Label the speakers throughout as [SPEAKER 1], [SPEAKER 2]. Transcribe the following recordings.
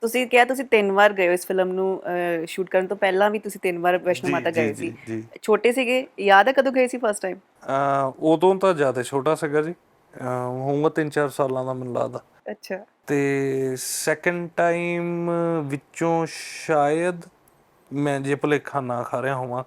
[SPEAKER 1] ਤੁਸੀਂ ਕਿਹਾ ਤੁਸੀਂ 3 ਵਾਰ ਗਏ ਹੋ ਇਸ ਫਿਲਮ ਨੂੰ ਸ਼ੂਟ ਕਰਨ ਤੋਂ ਪਹਿਲਾਂ ਵੀ ਤੁਸੀਂ 3 ਵਾਰ ਵੈਸ਼ਨੋ
[SPEAKER 2] ਜੀ
[SPEAKER 1] ਮਾਤਾ
[SPEAKER 2] ਜੀ
[SPEAKER 1] ਗਏ
[SPEAKER 2] ਜੀ
[SPEAKER 1] ਸੀ।
[SPEAKER 2] ਜੀ
[SPEAKER 1] ਛੋਟੇ ਸੀਗੇ, ਯਾਦ ਹੈ ਕਦੋਂ ਗਏ ਸੀ ਫਸਟ ਟਾਈਮ?
[SPEAKER 2] ਉਦੋਂ ਤਾਂ ਜ਼ਿਆਦਾ ਛੋਟਾ ਸੀਗਾ ਜੀ, ਹੋਊਗਾ 3-4 ਸਾਲਾਂ ਦਾ ਮੈਨੂੰ ਲੱਗਦਾ।
[SPEAKER 1] ਅੱਛਾ।
[SPEAKER 2] ਤੇ ਸੈਕਿੰਡ ਟਾਈਮ ਵਿੱਚੋਂ ਸ਼ਾਇਦ ਮੈਂ ਜੇ ਭੁਲੇਖਾ ਨਾ ਖਾ ਰਿਹਾ ਹੋਵਾਂ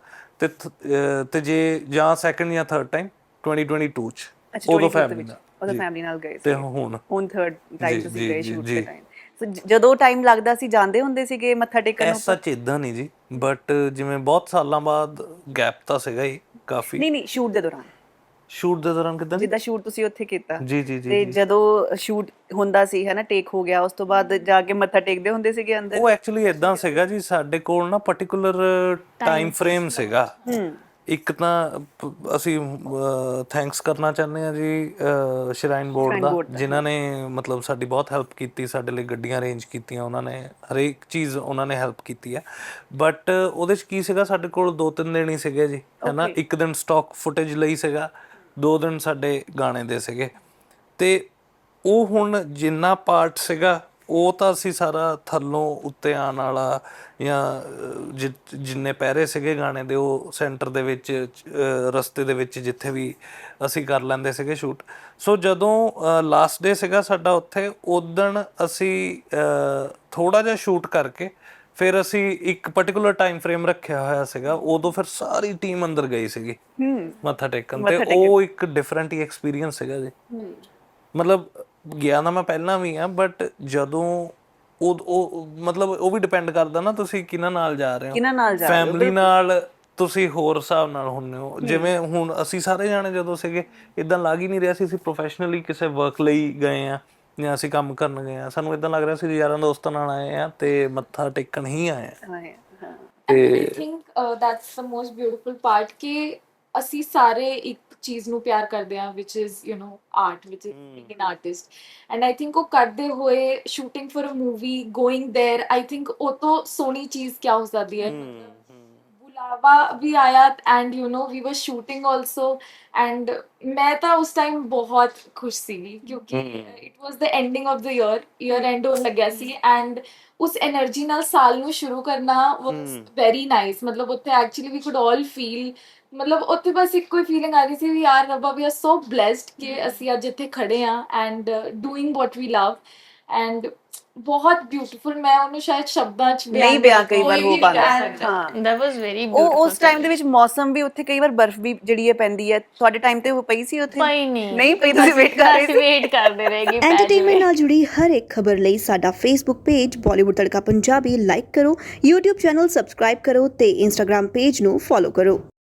[SPEAKER 2] ਤੇ ਜੇ ਜਾਂ ਸੈਕਿੰਡ ਜਾਂ ਥਰਡ ਟਾਈਮ 2022 ਚ,
[SPEAKER 1] ਅੱਛਾ,
[SPEAKER 2] ਉਦੋਂ
[SPEAKER 1] 22 ਦੇ
[SPEAKER 2] ਫੈਮਿਲੀ
[SPEAKER 1] ਵਿੱਚ
[SPEAKER 2] ਨਾਲ
[SPEAKER 1] ਉਦੋਂ
[SPEAKER 2] ਜੀ।
[SPEAKER 1] ਫੈਮਿਲੀ ਨਾਲ ਗਏ
[SPEAKER 2] ਤੇ
[SPEAKER 1] ਸੀਗੇ।
[SPEAKER 2] ਹੁਣ
[SPEAKER 1] ਹੁਣ ਥਰਡ ਟਾਈਮ
[SPEAKER 2] ਜੀ
[SPEAKER 1] ਤੁਸੀਂ
[SPEAKER 2] ਜੀ
[SPEAKER 1] ਗਏ
[SPEAKER 2] ਜੀ
[SPEAKER 1] ਸ਼ੂਟ ਦੇ
[SPEAKER 2] ਜੀ
[SPEAKER 1] ਟਾਈਮ। ਸੋ ਜਦੋਂ ਟਾਈਮ ਲੱਗਦਾ ਸੀ ਜਾਂਦੇ ਹੁੰਦੇ ਸੀਗੇ ਮੱਥਾ ਟੇਕਣ ਨੂੰ?
[SPEAKER 2] ਐਸਾ ਇੱਦਾਂ ਨਹੀਂ ਜੀ, ਬਟ ਜਿਵੇਂ ਬਹੁਤ ਸਾਲਾਂ ਬਾਅਦ ਗੈਪ ਤਾਂ ਸੀਗਾ ਹੀ ਕਾਫੀ।
[SPEAKER 1] ਨਹੀਂ ਨਹੀਂ, ਸ਼ੂਟ ਦੇ ਦੌਰਾਨ।
[SPEAKER 2] ਸ਼ੂਟ ਦੇ ਦੌਰਾਨ ਕਿੱਦਾਂ ਜੀ?
[SPEAKER 1] ਜਿੱਦਾਂ ਸ਼ੂਟ ਤੁਸੀਂ ਉੱਥੇ ਕੀਤਾ
[SPEAKER 2] ਜੀ ਜੀ ਜੀ
[SPEAKER 1] ਤੇ
[SPEAKER 2] ਜੀ
[SPEAKER 1] ਜਦੋਂ ਸ਼ੂਟ ਹੁੰਦਾ ਸੀ ਹੈ ਨਾ, ਟੇਕ ਹੋ ਗਿਆ, ਉਸ ਤੋਂ ਬਾਅਦ ਜਾ ਕੇ ਮੱਥਾ ਟੇਕਦੇ ਹੁੰਦੇ ਸੀਗੇ ਅੰਦਰ?
[SPEAKER 2] ਉਹ ਐਕਚੁਅਲੀ ਇਦਾਂ ਸੀਗਾ ਜੀ, ਸਾਡੇ ਕੋਲ ਨਾ ਪਾਰਟਿਕੂਲਰ ਟਾਈਮ ਫਰੇਮ ਸੀਗਾ। ਇੱਕ ਤਾਂ ਅਸੀਂ ਥੈਂਕਸ ਕਰਨਾ ਚਾਹੁੰਦੇ ਹਾਂ ਜੀ ਸ਼ਰਾਈਨ ਬੋਰਡ ਦਾ, ਜਿਨ੍ਹਾਂ ਨੇ ਮਤਲਬ ਸਾਡੀ ਬਹੁਤ ਹੈਲਪ ਕੀਤੀ, ਸਾਡੇ ਲਈ ਗੱਡੀਆਂ ਅਰੇਂਜ ਕੀਤੀਆਂ, ਉਹਨਾਂ ਨੇ ਹਰੇਕ ਚੀਜ਼ ਉਹਨਾਂ ਨੇ ਹੈਲਪ ਕੀਤੀ ਹੈ। ਬਟ ਉਹਦੇ 'ਚ ਕੀ ਸੀਗਾ, ਸਾਡੇ ਕੋਲ 2-3 ਦਿਨ ਹੀ ਸੀਗੇ ਜੀ, ਹੈ ਨਾ। ਇੱਕ ਦਿਨ ਸਟਾਕ ਫੁਟੇਜ ਲਈ ਸੀਗਾ, 2 ਦਿਨ ਸਾਡੇ ਗਾਣੇ ਦੇ ਸੀਗੇ। ਤੇ ਉਹ ਹੁਣ ਜਿੰਨਾ ਪਾਰਟ ਸੀਗਾ ਉਹ ਤਾਂ ਅਸੀਂ ਸਾਰਾ ਥੱਲੋਂ ਉੱਤੇ ਆਉਣ ਵਾਲਾ ਜਾਂ ਜਿੰਨੇ ਪਹਿਰੇ ਸੀਗੇ ਗਾਣੇ ਦੇ, ਉਹ ਸੈਂਟਰ ਦੇ ਵਿੱਚ ਰਸਤੇ ਦੇ ਵਿੱਚ ਜਿੱਥੇ ਵੀ ਅਸੀਂ ਕਰ ਲੈਂਦੇ ਸੀਗੇ ਸ਼ੂਟ। ਸੋ ਜਦੋਂ ਲਾਸਟ ਡੇ ਸੀਗਾ ਸਾਡਾ ਉੱਥੇ, ਉਦਣ ਅਸੀਂ ਥੋੜ੍ਹਾ ਜਿਹਾ ਸ਼ੂਟ ਕਰਕੇ ਫਿਰ ਅਸੀਂ ਇੱਕ ਪਾਰਟਿਕੂਲਰ ਟਾਈਮ ਫਰੇਮ ਰੱਖਿਆ ਹੋਇਆ ਸੀਗਾ, ਉਦੋਂ ਫਿਰ ਸਾਰੀ ਟੀਮ ਅੰਦਰ ਗਈ ਸੀਗੀ ਮੱਥਾ ਟੇਕਣ। ਤੇ ਉਹ ਇੱਕ ਡਿਫਰੈਂਟ ਹੀ ਐਕਸਪੀਰੀਅੰਸ ਸੀਗਾ ਜੀ। ਮਤਲਬ ਗਿਆ ਨਾ ਮੈਂ ਪਹਿਲਾਂ ਵੀ ਆ, ਬਟ ਜਦੋਂ ਉਹ ਮਤਲਬ ਉਹ ਵੀ ਡਿਪੈਂਡ ਕਰਦਾ ਨਾ ਤੁਸੀਂ ਕਿਹਨਾਂ ਨਾਲ ਜਾ ਰਹੇ ਹੋ। ਫੈਮਿਲੀ ਨਾਲ ਤੁਸੀਂ ਹੋਰ ਹਿਸਾਬ ਨਾਲ ਹੁੰਦੇ ਹੋ। ਜਿਵੇਂ ਹੁਣ ਅਸੀਂ ਸਾਰੇ ਜਾਣੇ ਜਦੋਂ ਸੀਗੇ, ਇਦਾਂ ਲੱਗ ਹੀ ਨਹੀਂ ਰਿਹਾ ਸੀ ਅਸੀਂ ਪ੍ਰੋਫੈਸ਼ਨਲੀ ਕਿਸੇ ਵਰਕ ਲਈ ਗਏ ਆ ਜਾਂ ਅਸੀਂ ਕੰਮ ਕਰਨ ਗਏ ਆ। ਸਾਨੂੰ ਇਦਾਂ ਲੱਗ ਰਿਹਾ ਸੀ ਯਾਰਾਂ ਦੋਸਤਾਂ ਨਾਲ ਆਏ ਆ ਤੇ ਮੱਥਾ ਟੇਕਣ ਹੀ ਆਏ ਆ।
[SPEAKER 3] I think that's the most beautiful part ਕਿ ਅਸੀਂ ਸਾਰੇ ਇੱਕ ਚੀਜ਼ ਨੂੰ ਪਿਆਰ ਕਰਦੇ ਹਾਂ, which is you know art, which is being an artist, and I think ਉਹ ਕਰਦੇ ਹੋਏ shooting for a movie, going there, I think ਉਹ ਤੋਂ ਸੋਹਣੀ ਚੀਜ਼ ਕਿਆ ਹੋ ਸਕਦੀ ਹੈ। ਬੁਲਾਵਾ ਵੀ ਆਇਆ and you know we were shooting also, and ਮੈਂ ਤਾਂ ਉਸ ਟਾਈਮ ਬਹੁਤ ਖੁਸ਼ ਸੀਗੀ ਕਿਉਂਕਿ it was the ending of the year end ਹੋਣ ਲੱਗਿਆ ਸੀ, and ਉਸ એનર્ਜੀ ਨਾਲ ਸਾਲ ਨੂੰ ਸ਼ੁਰੂ ਕਰਨਾ was very nice। ਮਤਲਬ ਉੱਥੇ actually we could all feel, ਮਤਲਬ ਉੱਥੇ ਬਸ ਇੱਕੋ ਹੀ ਫੀਲਿੰਗ ਆ ਰਹੀ ਸੀ ਵੀ ਯਾਰ ਰੱਬਾ ਵੀ ਆਰ ਸੋ ਬਲੈਸਡ ਕਿ ਅਸੀਂ ਅੱਜ ਇੱਥੇ ਖੜੇ ਹਾਂ and doing what we love, and ਬਹੁਤ ਬਿਊਟੀਫੁਲ। ਮੈਂ ਉਹਨੂੰ ਸ਼ਾਇਦ ਸ਼ਬਦਾਂ 'ਚ
[SPEAKER 1] ਨਹੀਂ ਬਿਆਨ ਕਈ ਵਾਰ ਹੋ ਪਾਉਂਦਾ।
[SPEAKER 4] ਹਾਂ, that was very beautiful।
[SPEAKER 1] ਉਹ ਉਸ ਟਾਈਮ ਦੇ ਵਿੱਚ ਮੌਸਮ ਵੀ ਉੱਥੇ ਕਈ ਵਾਰ ਬਰਫ਼ ਵੀ ਜਿਹੜੀ ਹੈ ਪੈਂਦੀ ਹੈ। ਤੁਹਾਡੇ ਟਾਈਮ ਤੇ ਉਹ ਪਈ ਸੀ ਉੱਥੇ?
[SPEAKER 4] ਪਈ ਨਹੀਂ।
[SPEAKER 1] ਨਹੀਂ ਪਈ, ਤੁਸੀਂ ਵੇਟ ਕਰ ਰਹੇ ਸੀ?
[SPEAKER 4] ਵੇਟ ਕਰਦੇ ਰਹੇਗੀ।
[SPEAKER 5] ਐਂਟਰਟੇਨਮੈਂਟ ਨਾਲ ਜੁੜੀ ਹਰ ਇੱਕ ਖਬਰ ਲਈ ਸਾਡਾ Facebook page Bollywood Tadka Punjabi like ਕਰੋ, YouTube ਚੈਨਲ ਸਬਸਕ੍ਰਾਈਬ ਕਰੋ ਤੇ Instagram ਪੇਜ ਨੂੰ ਫੋਲੋ ਕਰੋ।